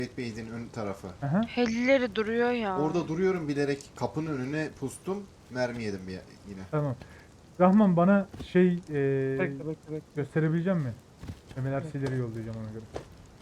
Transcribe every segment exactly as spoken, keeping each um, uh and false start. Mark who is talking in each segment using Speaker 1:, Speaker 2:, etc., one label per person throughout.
Speaker 1: Base'in ön tarafı.
Speaker 2: Aha.
Speaker 3: Helileri duruyor ya.
Speaker 1: Orada duruyorum bilerek kapının önüne pustum. Mermi yedim bir yine.
Speaker 2: Tamam. Rahman bana şey eee
Speaker 4: Bekle bekle bekle.
Speaker 2: gösterebilecek mi? Mehmet
Speaker 4: Evet.
Speaker 2: Ersileri yollayacağım ona göre.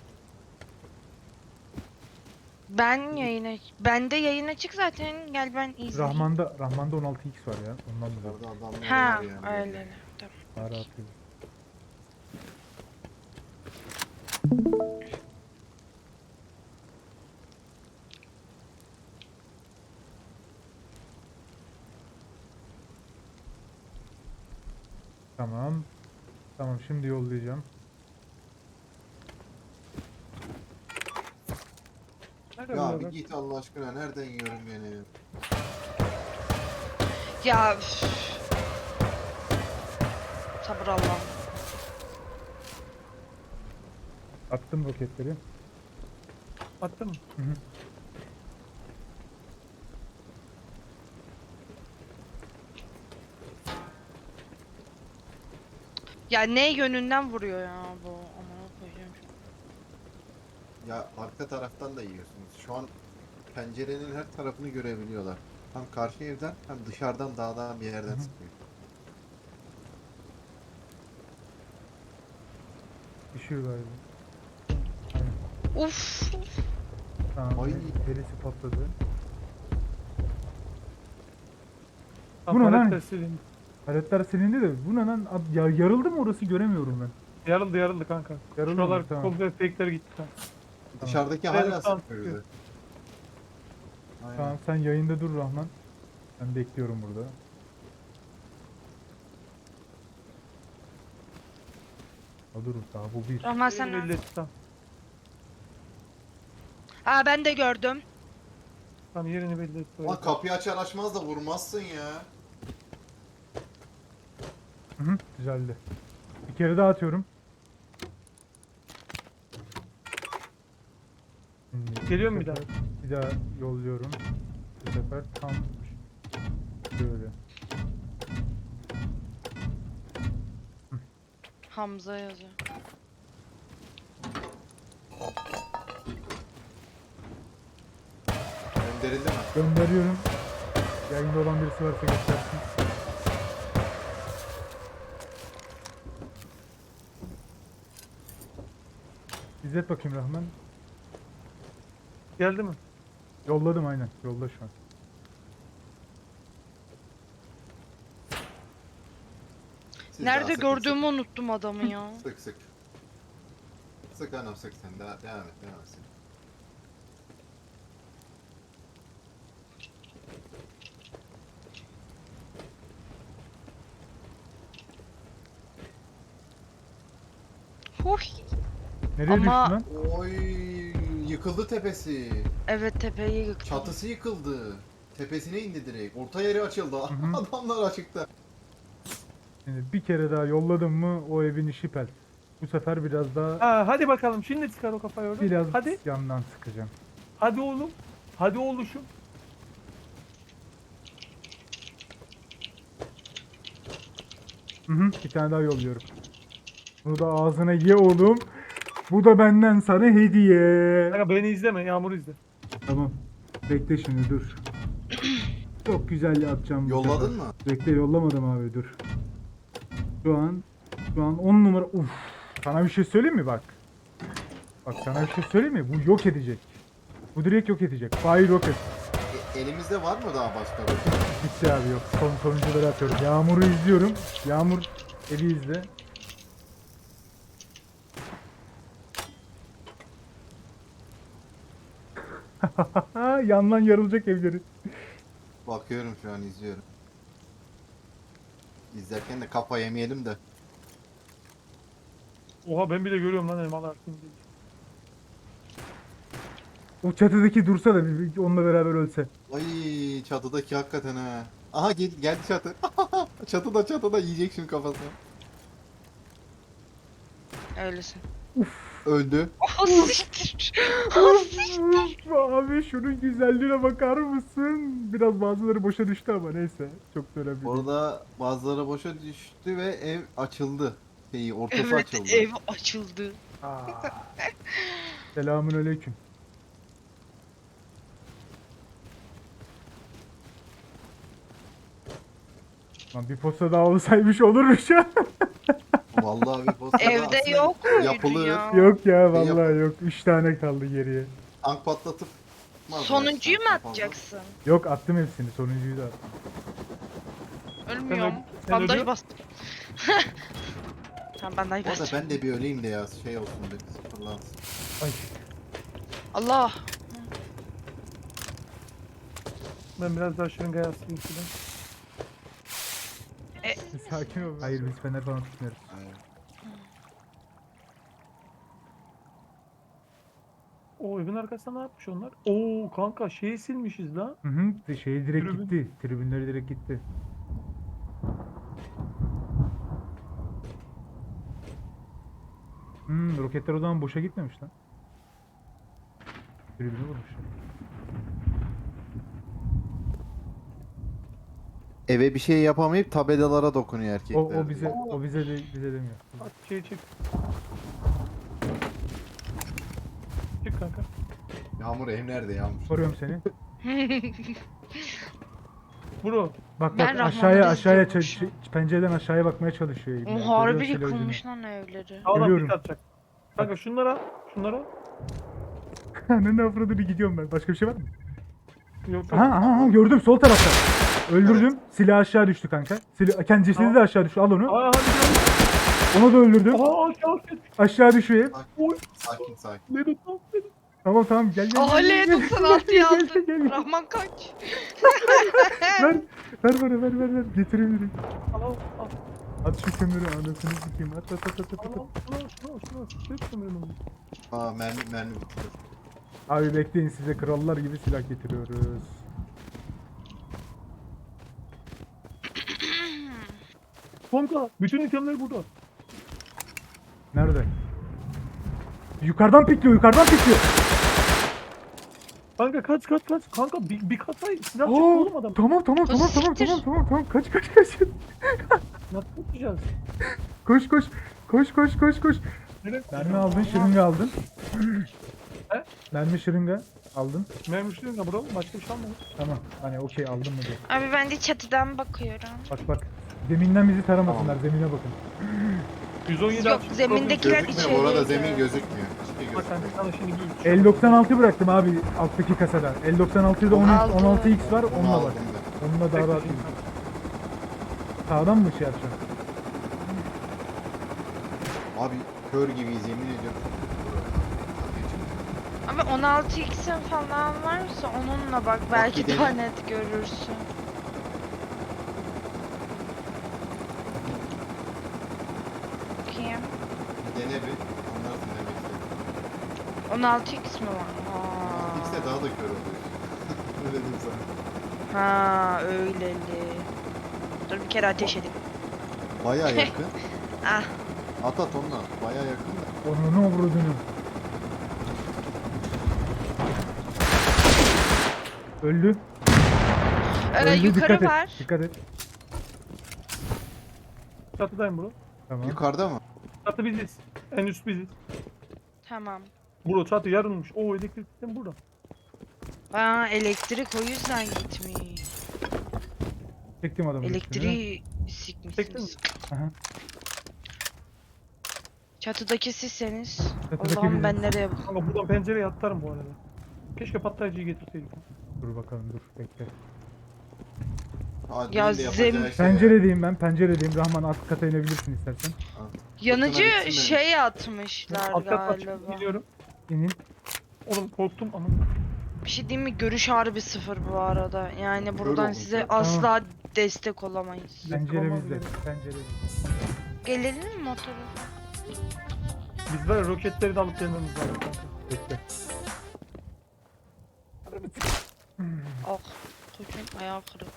Speaker 3: Ben yayına... Bende yayın açık zaten. Gel ben izleyeyim.
Speaker 2: Rahman'da Rahman'da on altı x var ya. Ondan dolayı.
Speaker 1: Orada adamlar
Speaker 3: Ha
Speaker 1: var yani.
Speaker 3: öyle. Tamam.
Speaker 2: Daha rahat değil. Tamam. Tamam şimdi yollayacağım.
Speaker 4: Nerede
Speaker 1: Ya
Speaker 4: bu
Speaker 1: bir
Speaker 4: adam?
Speaker 1: git Allah aşkına, nereden yiyorum beni?
Speaker 3: Ya üf. Sabır Allah'ım.
Speaker 2: Attım roketleri.
Speaker 4: Attın mı?
Speaker 2: Hı hı.
Speaker 3: Ya ne yönünden vuruyor ya bu? Aman koyacağım.
Speaker 1: Ya arka taraftan da yiyorsunuz. Şu an pencerenin her tarafını görebiliyorlar. Hem karşı evden hem dışarıdan dağdan bir yerden
Speaker 2: Hı hı.
Speaker 1: sıkıyor.
Speaker 2: Düşüyor galiba.
Speaker 3: Uf.
Speaker 2: Tamam.
Speaker 1: Ay.
Speaker 2: Derisi patladı.
Speaker 4: Tam
Speaker 2: Bu ne lan?
Speaker 4: paletler silindi.
Speaker 2: Paletler silindi de bu ne lan? Ab- Ya yarıldı mı orası göremiyorum ben.
Speaker 4: Yarıldı yarıldı kanka.
Speaker 2: Yarıldı mı?
Speaker 4: Şuralar
Speaker 2: Tamam.
Speaker 4: komple fake'ler gitti. Tamam.
Speaker 1: Dışarıdaki
Speaker 4: Evet,
Speaker 1: hala
Speaker 4: tamam,
Speaker 1: sıkıyor
Speaker 4: sıkıyor.
Speaker 1: bizi. Aynen.
Speaker 2: Tamam sen yayında dur Rahman. Ben bekliyorum burada. Ha dur daha bu bir.
Speaker 3: Rahman sen
Speaker 4: Yerini belli et, tamam.
Speaker 3: Aa ben de gördüm.
Speaker 4: Tamam yerini belli et.
Speaker 1: Ulan kapıyı açar açmaz da vurmazsın ya.
Speaker 2: Hı hı, güzeldi. Bir kere daha atıyorum. Şimdi
Speaker 4: Geliyor
Speaker 2: bu
Speaker 4: mu bir
Speaker 2: sefer- Bir daha yolluyorum. Bu sefer tam böyle.
Speaker 3: Hamza yazıyor.
Speaker 1: Gönderildi mi?
Speaker 2: Gönderiyorum. Yayında olan birisi varsa göstersin. İzzet bakayım Rahman.
Speaker 4: Geldi mi?
Speaker 2: Yolladım aynen. Yolda şu an.
Speaker 1: Siz daha
Speaker 3: Nerede
Speaker 1: sıkın,
Speaker 3: gördüğümü unuttum adamı ya.
Speaker 1: Sık sık. Sık, sık anam sık sen. Daha, devam et devam et.
Speaker 3: Huh.
Speaker 2: Nereye
Speaker 3: Ama-
Speaker 2: düştün lan?
Speaker 1: Oy, yıkıldı tepesi.
Speaker 3: Evet tepeyi yıktı.
Speaker 1: Çatısı yıkıldı. Tepesine indi direkt. Orta yeri açıldı.
Speaker 2: hı.
Speaker 1: Adamlar açıkta.
Speaker 2: Şimdi bir kere daha yolladım mı o evin işi pel. Bu sefer biraz daha
Speaker 4: Ha, hadi bakalım şimdi çıkar o kafayı oradan.
Speaker 2: biraz
Speaker 4: Hadi.
Speaker 2: yandan sıkacağım.
Speaker 4: Hadi oğlum. Hadi oğluşum.
Speaker 2: Hı hı, bir tane daha yolluyorum. Bunu da ağzına ye oğlum. Bu da benden sana hediye.
Speaker 4: Kanka beni izleme. Yağmur izle.
Speaker 2: Tamam. Bekle şimdi dur. Çok güzel yapacağım bu
Speaker 1: Yolladın
Speaker 2: sefer.
Speaker 1: mı?
Speaker 2: Bekle yollamadım abi dur. Şu an şu an on numara. Uf. Sana bir şey söyleyeyim mi bak? Bak sana bir şey söyleyeyim mi? Bu yok edecek. Bu direkt yok edecek. Fire rocket.
Speaker 1: E, elimizde var mı daha başka bir?
Speaker 2: Bitti abi yok. Son sonuncuları atıyorum. Yağmur'u izliyorum. Yağmur evi izle. Yandan yarılacak evleri.
Speaker 1: Bakıyorum şu an izliyorum. İzlerken de kafa yemeyelim de.
Speaker 4: Oha ben bile görüyorum lan elmalar. Şimdi.
Speaker 2: O çatıdaki dursa da bir- bir onunla beraber ölse.
Speaker 1: Ay çatıdaki hakikaten ha. Aha gel, geldi çatı. çatıda çatıda yiyecek şimdi kafasına.
Speaker 3: Öylesin.
Speaker 1: Öldü.
Speaker 3: Ah siktir. Ah siktir.
Speaker 2: Abi şunun güzelliğine bakar mısın? Biraz bazıları boşa düştü ama neyse. Çok da önemli değil.
Speaker 1: Orada bazıları boşa düştü ve ev açıldı. Şeyi ortası
Speaker 3: Evet
Speaker 1: açıldı.
Speaker 3: ev açıldı.
Speaker 2: Selamun aleyküm. Lan bir posta daha olsaymış olurmuş ya.
Speaker 1: Vallahi bir postada
Speaker 3: Evde
Speaker 1: aslında
Speaker 3: yok muydu
Speaker 1: yapılır.
Speaker 3: ya?
Speaker 2: Yok ya
Speaker 1: Ne
Speaker 2: vallahi
Speaker 1: yapalım?
Speaker 2: yok. üç tane kaldı geriye.
Speaker 1: Tank patlatıp atmaz
Speaker 3: Sonuncuyu mu
Speaker 1: gerçekten fazla.
Speaker 3: atacaksın?
Speaker 2: Yok attım hepsini. Sonuncuyu da attım.
Speaker 3: Ölmüyorum.
Speaker 4: sen
Speaker 3: Bandaj
Speaker 4: ölüyor.
Speaker 3: bastım. Tamam bandaj
Speaker 1: Bu arada
Speaker 3: bastım.
Speaker 1: ben de bir öleyim de ya şey olsun bir sıfırlansın.
Speaker 2: Ay.
Speaker 3: Allah.
Speaker 4: Ben biraz daha şırıngaya asayım şuradan.
Speaker 2: Sakin ol. Hayır biz fener falan tutmuyoruz.
Speaker 1: Aynen.
Speaker 4: O evin arkasında ne yapmış onlar? Oo kanka şeyi silmişiz lan.
Speaker 2: Hı hı. Şey direkt
Speaker 4: Tribün.
Speaker 2: gitti. Tribünleri direkt gitti. Hmm, roketler o zaman boşa gitmemiş lan. Tribünü vurmuşlar.
Speaker 1: Eve bir şey yapamayıp tabelalara dokunuyor erkekler.
Speaker 2: O, o bize o bize de bize demiyor.
Speaker 4: Bak şeyi çek. Çık kanka.
Speaker 1: Yağmur ev nerede Yağmur?
Speaker 2: Koruyorum seni.
Speaker 4: Bro.
Speaker 2: Bak
Speaker 3: Ben
Speaker 2: bak
Speaker 3: Rahman'ı
Speaker 2: aşağıya aşağıya ç-
Speaker 3: izliyormuşum.
Speaker 2: ç- pencereden aşağıya bakmaya çalışıyor.
Speaker 3: O
Speaker 2: İbni.
Speaker 3: harbi
Speaker 2: Görüyor şöyle
Speaker 3: yıkılmış lan evleri.
Speaker 4: Sağdan
Speaker 2: Görüyorum.
Speaker 4: pik atacak. Kanka şunlara. Şunlara.
Speaker 2: ucunu. Ne avradını gidiyorum ben. Başka bir şey var mı?
Speaker 4: Yok
Speaker 2: Aha
Speaker 4: yok.
Speaker 2: aha, aha gördüm sol tarafta. Öldürdüm. Silah aşağı düştü kanka. Silah kendi cesedi
Speaker 4: Tamam.
Speaker 2: de aşağı düştü. Al onu.
Speaker 4: Aa hadi gel.
Speaker 2: Onu da öldürdüm.
Speaker 4: Aa aşağı aşağı.
Speaker 2: Aşağı düşüyor.
Speaker 1: Sakin sakin.
Speaker 4: Ne tuttu?
Speaker 2: Tamam tamam gel gel.
Speaker 3: Oley
Speaker 2: gel, gel,
Speaker 3: doksan altıyı
Speaker 2: gel, gel,
Speaker 3: aldın.
Speaker 2: gel.
Speaker 3: Rahman kaç.
Speaker 2: Ver ver bana ver ver ver. Getireyim direkt.
Speaker 4: Al al al.
Speaker 2: At şu kömürü anasını sikeyim. At at at at at.
Speaker 4: Al
Speaker 2: at.
Speaker 4: al. Şunu al şunu al şunu al. Çek kömürünü.
Speaker 1: Aa mermi mermi bitti.
Speaker 2: Abi bekleyin size krallar gibi silah getiriyoruz.
Speaker 4: Kanka bütün itemler burada.
Speaker 2: Nerede? Yukarıdan pikliyor, yukarıdan pikliyor.
Speaker 4: Kanka kaç kaç kaç. Kanka bir, bir kata silah çıktı
Speaker 2: Oo,
Speaker 4: oğlum adam.
Speaker 2: tamam tamam tamam tamam
Speaker 3: Siktir.
Speaker 2: tamam tamam tamam kaç kaç kaç.
Speaker 4: Nasıl tutacağız?
Speaker 2: Koş koş. Koş koş koş koş.
Speaker 4: Nereye?
Speaker 2: Mermi aldın, şırınga aldın.
Speaker 4: He?
Speaker 2: Mermi şırınga aldın.
Speaker 4: Mermi şuraya bro. Başka bir şey almadım.
Speaker 2: Tamam. Hani okey aldın mı diye.
Speaker 3: Abi ben de çatıdan bakıyorum.
Speaker 2: Bak bak. Zeminden bizi taramasınlar. Zemine bakın.
Speaker 4: yüz on yedi
Speaker 3: Yok,
Speaker 4: açmış.
Speaker 3: zemindekiler
Speaker 1: Gözükmüyor bu arada
Speaker 3: içeriydi.
Speaker 1: zemin gözükmüyor. Hiçbir şey
Speaker 4: Bak kanka
Speaker 1: gözükmüyor.
Speaker 4: sana şimdi bir şey
Speaker 2: L doksan altı bıraktım abi alttaki kasada. L doksan altıda on
Speaker 3: Aldım.
Speaker 2: on altı x var.
Speaker 1: Onu
Speaker 2: Onunla bak.
Speaker 1: aldım ben.
Speaker 2: Onunla daha rahat. Sağdan mı şey yapacaksın?
Speaker 1: Abi kör gibiyiz yemin ediyorum.
Speaker 3: Ama on altı x'in falan varsa onunla bak belki
Speaker 1: gidelim.
Speaker 3: daha net görürsün. Bakayım.
Speaker 1: Bir dene bir. Anlarsın demek istedim.
Speaker 3: on altı x mi var? Aa.
Speaker 1: X'de daha da kör oluyor. Öyle diyeyim sana.
Speaker 3: Ha öyleli. Dur bir kere ateş edeyim.
Speaker 1: Baya yakın.
Speaker 3: Ah.
Speaker 1: At at onunla. Baya yakın da.
Speaker 2: Onu ne vurduğunu. Öldü.
Speaker 3: Ee,
Speaker 2: Öldü
Speaker 3: yukarı
Speaker 2: dikkat
Speaker 3: var.
Speaker 2: et. Dikkat et.
Speaker 4: Çatıdayım bro.
Speaker 2: Tamam.
Speaker 1: Yukarıda mı?
Speaker 4: Çatı biziz. En üst biziz.
Speaker 3: Tamam.
Speaker 4: Bro çatı yarılmış. Oo elektrik sistemi burada.
Speaker 3: Aa elektrik o yüzden gitmiş.
Speaker 2: Çektim adamı.
Speaker 3: Elektriği
Speaker 4: Çektin mi?
Speaker 3: sikmişsiniz.
Speaker 2: Aha.
Speaker 3: Çatıdaki sizseniz.
Speaker 2: Çatıdaki
Speaker 3: Allah'ım
Speaker 2: biziz.
Speaker 3: ben nereye bak.
Speaker 4: Kanka buradan pencereye atlarım bu arada. Keşke patlayıcıyı getirseydik.
Speaker 2: Dur bakalım dur bekle.
Speaker 1: Adil'in
Speaker 3: Ya
Speaker 1: de yapacağı
Speaker 3: zem-
Speaker 1: şey ya.
Speaker 2: Penceredeyim ben penceredeyim. Rahman alt kata inebilirsin istersen.
Speaker 3: Yanıcı
Speaker 1: bitsin
Speaker 3: şey atmışlar
Speaker 4: Alt kat açıp
Speaker 3: galiba.
Speaker 4: gidiyorum.
Speaker 2: İnin.
Speaker 4: Oğlum korktum ama.
Speaker 3: Bir şey diyeyim mi? Görüş harbi sıfır bu arada. Yani buradan
Speaker 1: oldum
Speaker 3: size
Speaker 1: ya.
Speaker 3: asla destek olamayız.
Speaker 2: Pencere
Speaker 4: olmaz
Speaker 2: bizde.
Speaker 4: yani.
Speaker 2: Pencere bizde.
Speaker 3: Gelelim mi motoru?
Speaker 4: Biz var ya roketleri de alıp gelmemiz lazım kanka.
Speaker 2: Bekle.
Speaker 3: Ah. Çocuğun ayağı kırık.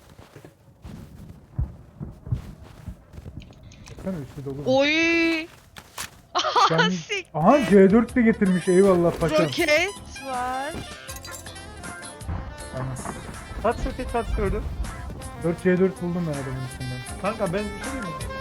Speaker 2: Baksana üstü dolu.
Speaker 3: Oy!
Speaker 2: Ben-
Speaker 3: Sik.
Speaker 2: Aha C dört de getirmiş eyvallah paşam.
Speaker 3: Roket var.
Speaker 2: Tamam.
Speaker 4: Kaç roket kaç gördün?
Speaker 2: dört C dört buldum ben adamın üstünden.
Speaker 4: Kanka ben bir şey diyeyim mi?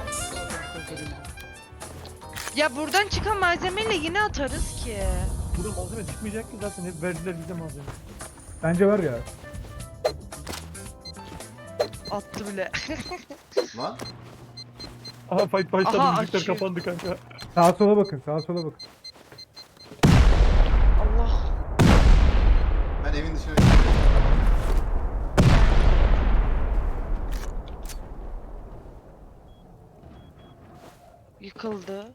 Speaker 3: Ya buradan çıkan malzemeyle yine atarız ki.
Speaker 4: Burada malzeme çıkmayacak ki zaten hep verdiler bize malzeme.
Speaker 2: Bence var ya.
Speaker 3: Attı bile.
Speaker 1: Lan
Speaker 4: Aha fight başladı,
Speaker 3: Aha,
Speaker 4: müzikler
Speaker 3: açıyor.
Speaker 4: kapandı kanka.
Speaker 2: Sağa sola bakın, sağa sola bakın.
Speaker 3: Allah.
Speaker 1: ben evin dışına çıktım.
Speaker 3: Yıkıldı.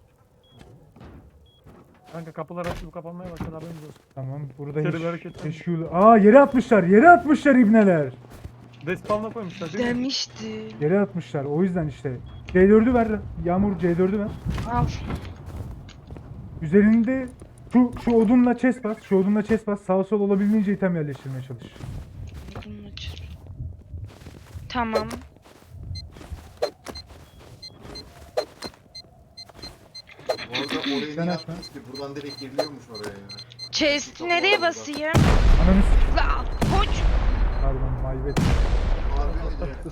Speaker 4: Kanka kapılar açılıp kapanmaya başladı, haberiniz olsun.
Speaker 2: Tamam, burada
Speaker 4: İçeri bir
Speaker 2: hiç
Speaker 4: hareket var.
Speaker 2: teşkil... Aa, yere atmışlar, yere atmışlar ibneler.
Speaker 4: Despawn'a koymuşlar değil mi?
Speaker 3: Demişti.
Speaker 2: Yere atmışlar, o yüzden işte. C dördü ver, Yağmur C dördü ver.
Speaker 3: Al.
Speaker 2: Üzerinde şu şu odunla chest bas, şu odunla chest bas. Sağ sol olabildiğince item yerleştirmeye çalış.
Speaker 3: Bunu açır. Tamam.
Speaker 1: Bu arada orayı
Speaker 2: Sen
Speaker 1: niye
Speaker 2: atma.
Speaker 1: attınız ki? Buradan direkt giriliyormuş oraya ya.
Speaker 3: Chest nereye basayım?
Speaker 2: Ananı s-
Speaker 3: La koç.
Speaker 2: Pardon, maybet.
Speaker 1: Harbi öyle.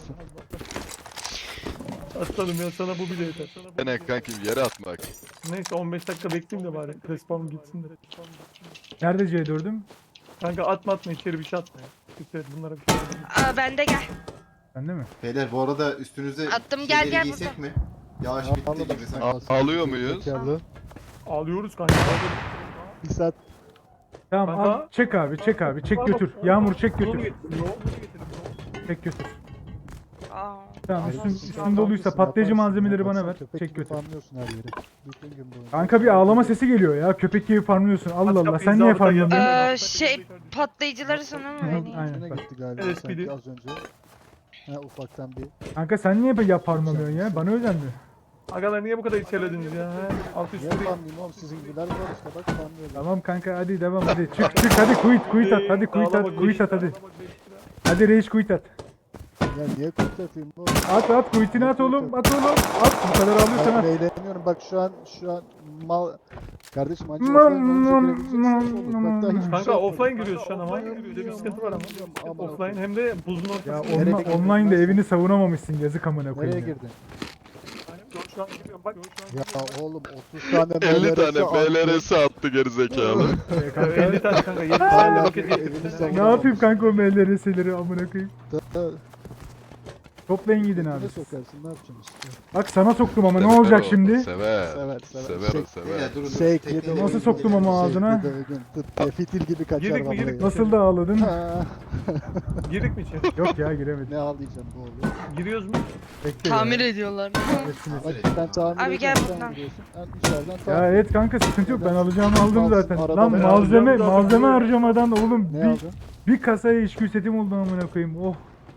Speaker 4: Aslanım ya, sana bu bile yeter. Sana bu bile
Speaker 5: Ne
Speaker 4: yeter.
Speaker 5: kankim yere atmak.
Speaker 4: Neyse on beş dakika bekleyeyim de bari. Respawn gitsin de.
Speaker 2: Nerede C dördüm?
Speaker 4: Kanka atma atma, içeri bir şey atma ya. Dikkat et, bunlara bir şey atma.
Speaker 3: Aa, bende gel.
Speaker 2: Bende mi?
Speaker 1: Beyler bu arada üstünüze
Speaker 3: Attım, gel,
Speaker 1: şeyleri
Speaker 3: gel
Speaker 1: giysek
Speaker 3: burada.
Speaker 1: mi? Yağış bitti gibi sanki.
Speaker 5: A- alıyor muyuz?
Speaker 4: Ağlıyoruz kanka.
Speaker 6: Bir saat
Speaker 2: Tamam,
Speaker 4: Kanka.
Speaker 2: al, çek abi, çek abi, çek götür. Yağmur çek
Speaker 4: Yolu
Speaker 2: götür.
Speaker 4: getirin, yolu getirin.
Speaker 2: Çek götür.
Speaker 3: Aa.
Speaker 2: Tamam,
Speaker 3: Allah
Speaker 2: üstün,
Speaker 3: Allah.
Speaker 2: üstün doluysa patlayıcı malzemeleri bana ver. Çek götür.
Speaker 6: Farmlıyorsun her yeri. Bütün gün boyunca.
Speaker 2: Kanka bir ağlama sesi geliyor ya. Köpek gibi farmlıyorsun. Allah Allah.
Speaker 4: kapıyı
Speaker 2: Sen niye
Speaker 4: zabıta
Speaker 2: farmlamıyorsun?
Speaker 4: geldi.
Speaker 3: Ee, şey patlayıcıları sana mı
Speaker 2: Hı hı,
Speaker 3: vereyim?
Speaker 2: aynen.
Speaker 6: Üstüne
Speaker 2: bak.
Speaker 6: gitti galiba
Speaker 4: L S P D.
Speaker 6: sanki az önce. Ha ufaktan bir.
Speaker 2: Kanka sen niye ya farmlamıyorsun ya? Bana özel mi?
Speaker 4: Agalar niye bu kadar içerlediniz ya? He? Alt üst
Speaker 6: Niye
Speaker 4: değil.
Speaker 6: farmlayayım oğlum, sizin gibiler var işte bak farmlıyorum.
Speaker 2: Tamam kanka, hadi devam hadi. Çık çık hadi quit quit at. Hadi quit at quit at hadi. Hadi reis quit at.
Speaker 6: Ya niye kurt atayım oğlum?
Speaker 2: At at quitini at oğlum. At oğlum. At. Bu kadar ağlıyorsan
Speaker 6: Ben
Speaker 2: at.
Speaker 6: eğleniyorum bak şu an şu an mal kardeşim acı
Speaker 2: Mam,
Speaker 6: offline olunca
Speaker 2: mam,
Speaker 6: girebileceksiniz oğlum. Bak daha hiçbir
Speaker 4: Kanka
Speaker 6: şey
Speaker 4: offline
Speaker 6: yapmadım.
Speaker 4: giriyoruz şu an ama. Öyle bir sıkıntı var ama.
Speaker 6: Aman
Speaker 4: Offline hem de buzun
Speaker 2: Ya
Speaker 4: ortasında.
Speaker 6: Nereye
Speaker 2: onla,
Speaker 6: girdin?
Speaker 2: online'da evini savunamamışsın, yazık amına
Speaker 6: Nereye
Speaker 2: koyayım. ya.
Speaker 6: girdin?
Speaker 4: Şu an giriyorum bak.
Speaker 6: Ya oğlum otuz tane
Speaker 5: elli tane
Speaker 6: attı.
Speaker 5: B L R S attı gerizekalı.
Speaker 2: Ee, kanka,
Speaker 4: elli tane kanka. yedi tane
Speaker 6: Hala
Speaker 4: roket
Speaker 6: evini
Speaker 4: getirdim.
Speaker 6: savunamamış.
Speaker 2: ne yapayım kanka o M L R S'leri amına koyayım.
Speaker 6: Da-
Speaker 2: Toplayın gidin abi.
Speaker 6: Ne sokarsın ne yapacaksın işte.
Speaker 2: Bak sana soktum ama ne
Speaker 5: Sever
Speaker 2: olacak
Speaker 5: o,
Speaker 2: şimdi?
Speaker 5: Sever.
Speaker 6: Sever, sever.
Speaker 5: Sever o
Speaker 6: Şey-
Speaker 5: sever.
Speaker 1: Beyler durun durun.
Speaker 6: Shake
Speaker 1: Tekneyle
Speaker 6: yedi.
Speaker 2: Nasıl
Speaker 1: evin
Speaker 2: soktum ama
Speaker 1: gidelim.
Speaker 2: ağzına?
Speaker 6: Şey, bir de bugün tıp diye fitil gibi kaçar
Speaker 4: Girdik mi,
Speaker 6: vallahi.
Speaker 4: girdik mi?
Speaker 2: Nasıl da ağladın?
Speaker 6: Ha,
Speaker 4: Girdik mi içeri?
Speaker 2: Yok ya, giremedim.
Speaker 6: ne ağlayacağım bu oğlum.
Speaker 4: Giriyoruz mu?
Speaker 2: Bekle
Speaker 3: Tamir
Speaker 2: ya.
Speaker 3: ediyorlar.
Speaker 2: Bekle.
Speaker 6: Bak ben tamir
Speaker 3: Abi gel
Speaker 6: ediyorum, sen
Speaker 3: buradan.
Speaker 6: giriyorsun. Ben içeriden
Speaker 2: Ya
Speaker 6: tamir
Speaker 2: evet kanka, sıkıntı yok, ben alacağımı aldım
Speaker 6: Alsın,
Speaker 2: zaten.
Speaker 6: arada
Speaker 2: Lan
Speaker 6: ben
Speaker 2: malzeme
Speaker 4: alacağım zaten.
Speaker 2: malzeme harcamadan oğlum
Speaker 6: Ne
Speaker 2: bir,
Speaker 6: aldın?
Speaker 2: bir kasaya içki setim oldu amına koyayım. Oh.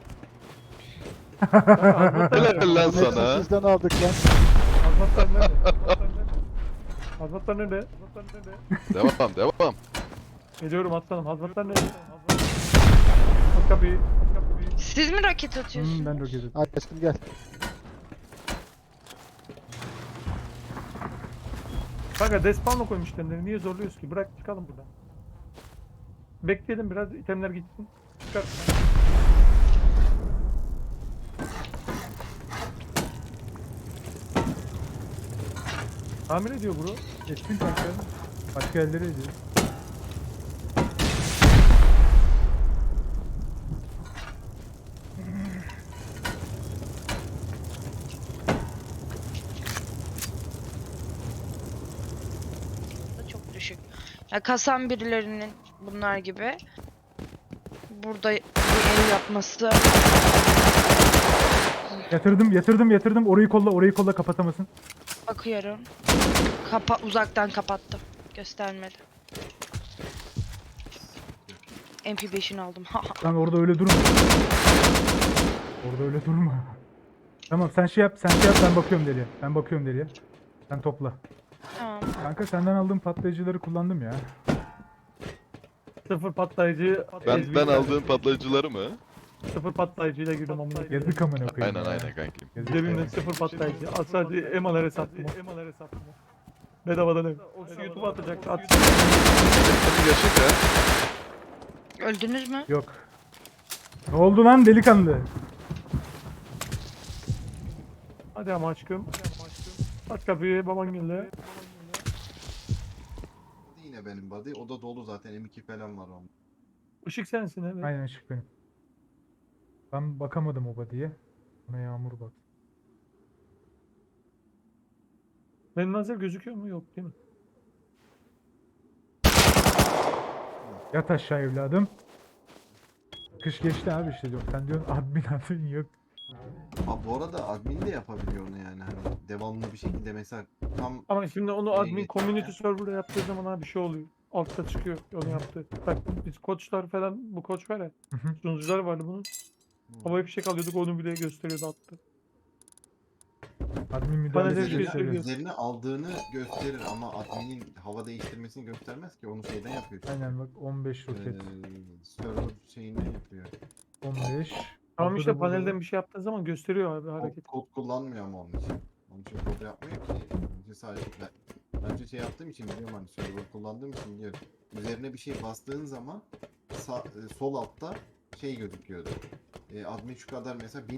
Speaker 5: Helal lan
Speaker 6: Hepsini
Speaker 5: sana.
Speaker 6: sizden aldık lan.
Speaker 4: Hazmatlar nerede? Hazmatlar nerede? Hazmatlar nerede?
Speaker 5: Devam devam.
Speaker 4: Geliyorum aslanım. Hazmatlar nerede? Aç kapıyı. Aç kapıyı.
Speaker 3: Siz mi roket
Speaker 2: Hmm,
Speaker 3: atıyorsunuz?
Speaker 2: ben roket atayım.
Speaker 6: Hadi aşkım gel.
Speaker 4: Kanka despawn'a koymuş itemleri. Niye zorluyoruz ki? Bırak çıkalım buradan. Bekleyelim biraz itemler gitsin. Çıkar. Tamir ediyor bro.
Speaker 2: Geçtin kanka. Başka yerlere ediyor.
Speaker 3: Da çok düşük. Ya kasan birilerinin bunlar gibi. Burada bir ev yapması
Speaker 2: Yatırdım yatırdım yatırdım, orayı kolla orayı kolla, kapatamasın.
Speaker 3: bakıyorum. Kapa uzaktan kapattım. Göstermedi. M P beşini aldım.
Speaker 2: Lan orada öyle durma. Orada öyle durma. Tamam sen şey yap sen şey yap ben bakıyorum deliye. Ben bakıyorum deliye. Sen topla.
Speaker 3: Tamam.
Speaker 2: Kanka senden aldığım patlayıcıları kullandım ya.
Speaker 4: Sıfır patlayıcı.
Speaker 5: Ben
Speaker 4: ezbi-
Speaker 5: ben aldığım patlayıcıları mı?
Speaker 4: Sıfır patlayıcıyla girdim amına koyayım.
Speaker 2: Yazık amına koyayım.
Speaker 5: Aynen
Speaker 2: ya.
Speaker 5: aynen kankim.
Speaker 2: Yazık
Speaker 4: Cebimden
Speaker 2: ya.
Speaker 4: sıfır patlayıcı. Al sadece emalara sattım. Emalara sattım. Bedavadan ev. O şu YouTube'a atacak. At.
Speaker 5: Hadi yaşık ya.
Speaker 3: Öldünüz mü?
Speaker 2: Yok. Ne oldu lan delikanlı?
Speaker 4: Hadi ama aşkım. Aç kapıyı, baban geldi.
Speaker 1: Yine benim body. O da dolu zaten. M iki falan var onun.
Speaker 4: Işık sensin evet.
Speaker 2: Aynen ışık benim. Ben bakamadım o body'ye. Buna Yağmur bak.
Speaker 4: Benim lazer gözüküyor mu? Yok değil mi?
Speaker 2: Yat aşağı evladım. Kış geçti abi işte yok. Sen diyorsun admin admin yok.
Speaker 1: Ha bu arada admin de yapabiliyor onu yani hani devamlı bir şekilde mesela tam
Speaker 4: Ama şimdi onu
Speaker 1: Neye
Speaker 4: admin
Speaker 1: geçiyor
Speaker 4: community
Speaker 1: ya?
Speaker 4: server'da yaptığı zaman abi bir şey oluyor. Altta çıkıyor onu yaptı. Bak biz koçlar falan bu koç var ya.
Speaker 2: Hı hı.
Speaker 4: Sunucular vardı bunun. Havaya fişek alıyorduk onu bile gösteriyordu altta.
Speaker 2: Admin müdahale
Speaker 4: Bana
Speaker 2: bir
Speaker 4: de
Speaker 2: şey
Speaker 4: bir
Speaker 1: üzerine,
Speaker 4: şey
Speaker 2: söylüyor.
Speaker 1: üzerine aldığını gösterir ama adminin hava değiştirmesini göstermez ki onu şeyden yapıyor. çünkü.
Speaker 2: Aynen bak on beş roket.
Speaker 1: Ee, server şeyinden yapıyor.
Speaker 2: on beş.
Speaker 4: Tamam
Speaker 2: Altta
Speaker 4: işte
Speaker 2: da burada
Speaker 4: panelden
Speaker 2: var.
Speaker 4: bir şey yaptığın zaman gösteriyor abi
Speaker 1: Kod,
Speaker 4: hareket.
Speaker 1: kod kullanmıyor ama onun için. Onun için kod yapmıyor ki. Onun için sadece ben, ben önce şey yaptığım için biliyorum hani server kullandığım için biliyorum. Üzerine bir şey bastığın zaman sağ, e, sol altta şey gözüküyordu. E, admin şu kadar mesela bin